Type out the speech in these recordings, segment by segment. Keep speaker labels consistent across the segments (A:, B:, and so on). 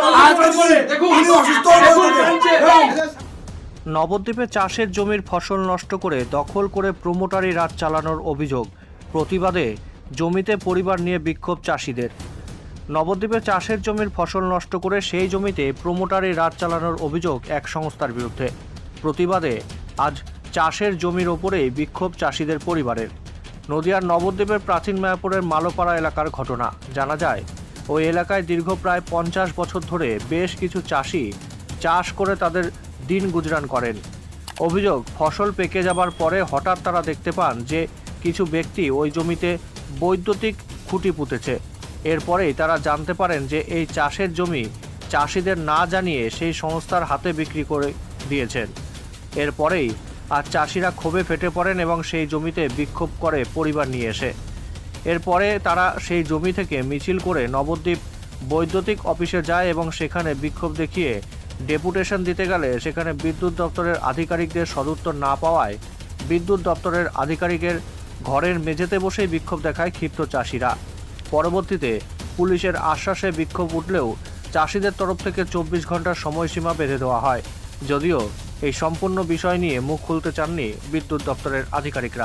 A: নবদ্বীপে চাষের জমির ফসল নষ্ট করে দখল করে প্রমোটারি রাজ চালানোর অভিযোগ। প্রতিবাদে জমিতে পরিবার নিয়ে বিক্ষোভ চাষিদের। নবদ্বীপে চাষের জমির ফসল নষ্ট করে সেই জমিতে প্রমোটারি রাজ চালানোর অভিযোগ এক সংস্থার বিরুদ্ধে। প্রতিবাদে আজ চাষের জমির ওপরেই বিক্ষোভ চাষিদের পরিবারের। নদিয়ার নবদ্বীপের প্রাচীন মায়াপুরের মালোপাড়া এলাকার ঘটনা। জানা যায়, ওই এলাকায় দীর্ঘ প্রায় 50 বছর ধরে বেশ কিছু চাষি চাষ করে তাদের দিন গুজরান করেন। অভিযোগ, ফসল পেকে যাবার পরে হঠাৎ তারা দেখতে পান যে কিছু ব্যক্তি ওই জমিতে বৈদ্যুতিক খুঁটি পুঁতেছে। এরপরেই তারা জানতে পারেন যে এই চাষের জমি চাষিদের না জানিয়ে সেই সংস্থার হাতে বিক্রি করে দিয়েছেন। এরপরেই আর চাষিরা ক্ষোভে ফেটে পড়েন এবং সেই জমিতে বিক্ষোভ করে পরিবার নিয়ে এসে। এরপরে তারা সেই জমি থেকে মিছিল করে নবদ্বীপ বৈদ্যুতিক অফিসে যায় এবং সেখানে বিক্ষোভ দেখিয়ে ডেপুটেশন দিতে গেলে সেখানে বিদ্যুৎ দপ্তরের আধিকারিকদের সদুত্তর না পাওয়ায় বিদ্যুৎ দপ্তরের আধিকারিকের ঘরের মেঝেতে বসেই বিক্ষোভ দেখায় ক্ষিপ্ত চাষিরা। পরবর্তীতে পুলিশের আশ্বাসে বিক্ষোভ উঠলেও চাষিদের তরফ থেকে 24 ঘন্টার সময়সীমা বেঁধে দেওয়া হয়, যদিও এই সম্পূর্ণ বিষয় নিয়ে মুখ খুলতে চাননি বিদ্যুৎ দপ্তরের আধিকারিকরা।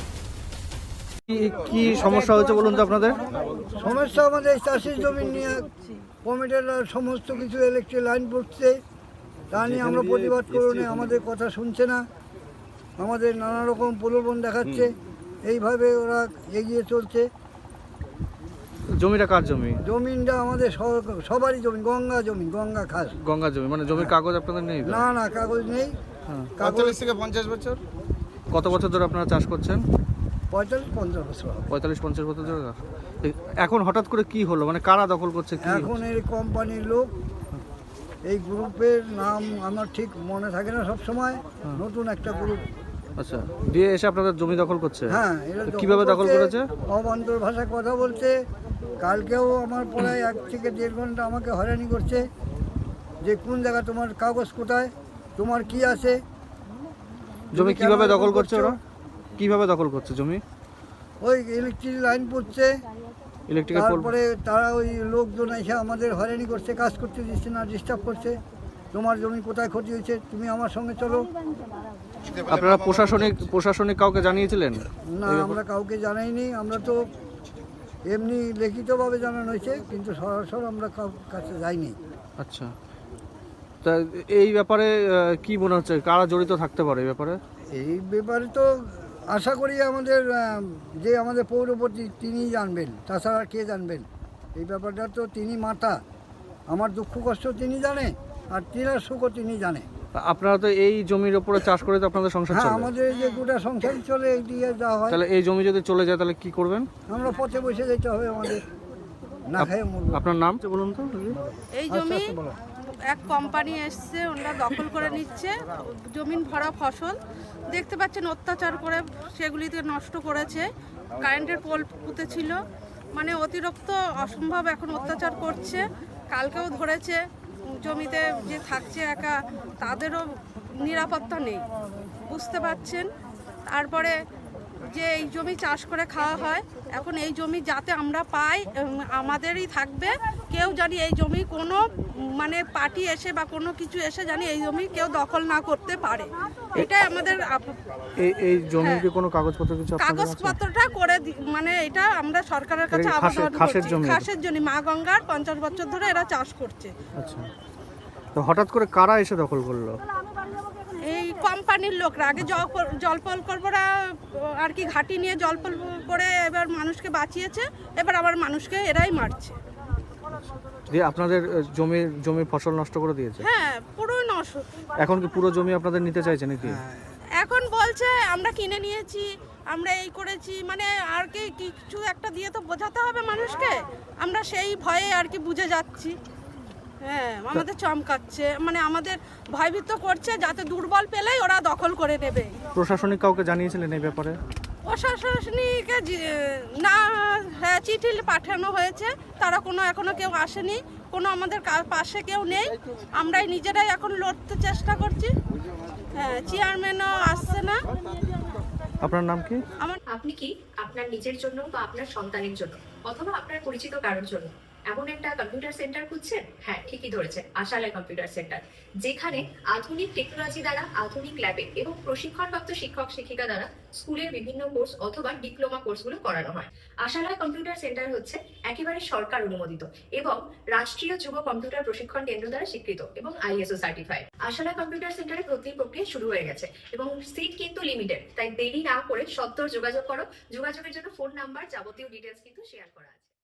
A: কি সমস্যা হয়েছে বলুন তো আপনাদের?
B: সমস্যা আমাদের চাষের জমি নিয়ে কমিটির সমস্ত কিছু ইলেকট্রিক লাইন পড়ছে, তা নিয়ে আমরা প্রতিবাদ করুন, আমাদের কথা শুনছে না, আমাদের নানা রকম প্রলোভন দেখাচ্ছে, এইভাবে ওরা এগিয়ে চলছে।
A: জমিটা কার জমি?
B: জমিটা আমাদের সবারই জমি, গঙ্গা জমি, গঙ্গা খাস।
A: গঙ্গা জমি মানে জমির কাগজ আপনাদের নেই?
B: না না, কাগজ নেই।
C: 45 থেকে 50 বছর।
A: কত বছর ধরে আপনারা চাষ করছেন?
B: 45-50 বছর।
A: 45-50 বছর ধরে। এখন হঠাৎ করে কি হলো, মানে কারা দখল করছে?
B: এখন এই কোম্পানির লোক, এই গ্রুপের নাম আমার ঠিক মনে থাকে না সব সময়, নতুন একটা গ্রুপ।
A: আচ্ছা, দিয়ে এসে আপনাদের জমি দখল করছে?
B: হ্যাঁ।
A: কিভাবে দখল করেছে?
B: অবান্তর ভাষায় কথা বলছে। কালকেও আমার প্রায় 1 থেকে 1.5 ঘন্টা আমাকে হয়রানি করছে যে কোন জায়গা, তোমার কাগজ কোথায়, তোমার কি আছে।
A: জমি কিভাবে দখল করছে ওরা? কিভাবে দখল করছে জমি?
B: ওই ইলেকট্রিক লাইন পড়ছে, তারপরে তারা ওই লোকজন এসে আমাদের হয়রানি করছে, কাজ করতে দিচ্ছে না, ডিস্টার্ব করছে। তোমার জমি কোথায় ক্ষতি হয়েছে, তুমি আমার সঙ্গে চলো।
A: আপনারা প্রশাসনিক কাউকে জানিয়েছিলেন?
B: না, আমরা কাউকে জানাইনি। আমরা তো এমনি লিখিতভাবে জানানো হয়েছে, কিন্তু সরাসরি আমরা কাছে যাইনি।
A: আচ্ছা, তা এই ব্যাপারে কি মনে হচ্ছে, কারা জড়িত থাকতে পারে এই ব্যাপারে?
B: এই ব্যাপারে তো আশা করি আমাদের যে আমাদের পৌরপতি তিনিই জানবেন, তাছাড়া কে জানবেন? এই ব্যাপারটা তো তিনি মাতা, আমার দুঃখ কষ্ট তিনি জানে, আর তিনার সুখও তিনি জানে।
A: আপনারা তো এই জমির উপরে চাষ করে তো আপনাদের সংসার চলে?
B: হ্যাঁ, আমাদের যে গোটা সংসার চলে এই দিয়ে যাওয়া হয়।
A: তাহলে এই জমি যদি চলে যায় তাহলে কি করবেন?
B: আমরা পথে বসে যেতে হবে আমাদের, না খেয়ে মরবো।
A: আপনার নাম বলুন তো।
D: এই জমি এক কোম্পানি এসছে, ওনারা দখল করে নিচ্ছে, জমিন ভরা ফসল দেখতে পাচ্ছেন, অত্যাচার করে সেগুলিতে নষ্ট করেছে। কারেন্টের পোল পুঁতেছিল, মানে অতিরিক্ত অসম্ভব এখন অত্যাচার করছে। কালকেও ধরেছে, জমিতে যে থাকছে একা তাদেরও নিরাপত্তা নেই, বুঝতে পারছেন। তারপরে যে এই জমি চাষ করে খাওয়া হয়, এখন এই জমি যাতে আমরা পাই আমাদেরই থাকবে, কেউ জানি এই জমি কোনো মানে পার্টি এসে বা কোনো কিছু এসে জানি এই জমি কেউ দখল না করতে পারে, এটাই আমাদের।
A: এই জমির কি কোনো কাগজপত্র কিছু?
D: কাগজপত্রটা করে মানে এটা আমরা সরকারের কাছে আবেদন করছি। খাসের জমি, মা গঙ্গার 50 বছর ধরে এরা চাষ করছে।
A: আচ্ছা, তো হঠাৎ করে কারা এসে দখল করলো?
D: এই কোম্পানির লোকরা আগে জলপল করবরা আর কি ঘাটি নিয়ে জলপল করে এবার মানুষকে বাঁচিয়েছে, এবার আবার মানুষকে এরাই মারছে।
A: দিয়ে আপনাদের জমির ফসল নষ্ট করে দিয়েছে?
D: হ্যাঁ, পুরোই নষ্ট।
A: এখন কি পুরো জমি আপনাদের নিতে চাইছে নাকি?
D: এখন বলছে আমরা কিনে নিয়েছি, আমরা এই করেছি, মানে আর কি কিছু একটা দিয়ে তো বোঝাতে হবে মানুষকে। আমরা সেই ভয়ে আর কি বুঝে যাচ্ছি। হ্যাঁ, আমাদের চমকাচ্ছে, মানে আমাদের ভয়ভীত করছে যাতে দুর্বল পেলেই ওরা দখল করে নেবে।
A: প্রশাসনিক কাউকে জানিয়েছিলেন এই ব্যাপারে?
D: প্রশাসনিক না, হ্যাঁ, চিঠি পাঠানো হয়েছে, তারা এখনো কেউ আসেনি, কোনো আমাদের পাশে কেউ নেই, আমরাই নিজেরাই এখন লড়তে চেষ্টা করছি। হ্যাঁ, চেয়ারম্যানও আসছে না।
A: আপনার নাম কি?
E: আপনি কি আপনার নিজের জন্য বা আপনার সন্তানের জন্য অথবা আপনার পরিচিত কারোর জন্য এমন একটা কম্পিউটার সেন্টার খুঁজছেন? হ্যাঁ, ঠিকই ধরেছেন, আশালয় কম্পিউটার সেন্টার, যেখানে আধুনিক টেকনোলজি দ্বারা আধুনিক ল্যাবে এবং প্রশিক্ষণপ্রাপ্ত শিক্ষক শিক্ষিকা দ্বারা স্কুলের বিভিন্ন কোর্স অথবা ডিপ্লোমা কোর্সগুলো করানো হয়। আশালয় কম্পিউটার সেন্টার হচ্ছে একেবারে সরকার অনুমোদিত এবং রাষ্ট্রীয় যুব কম্পিউটার প্রশিক্ষণ কেন্দ্র দ্বারা স্বীকৃত এবং আইএসও সার্টিফাইড। আশালয় কম্পিউটার সেন্টারে ভর্তির প্রক্রিয়া শুরু হয়ে গেছে এবং সিট কিন্তু লিমিটেড, তাই দেরি না করে সত্বর যোগাযোগ করো। যোগাযোগের জন্য ফোন নাম্বার, যাবতীয় ডিটেলস কিন্তু শেয়ার করা আছে।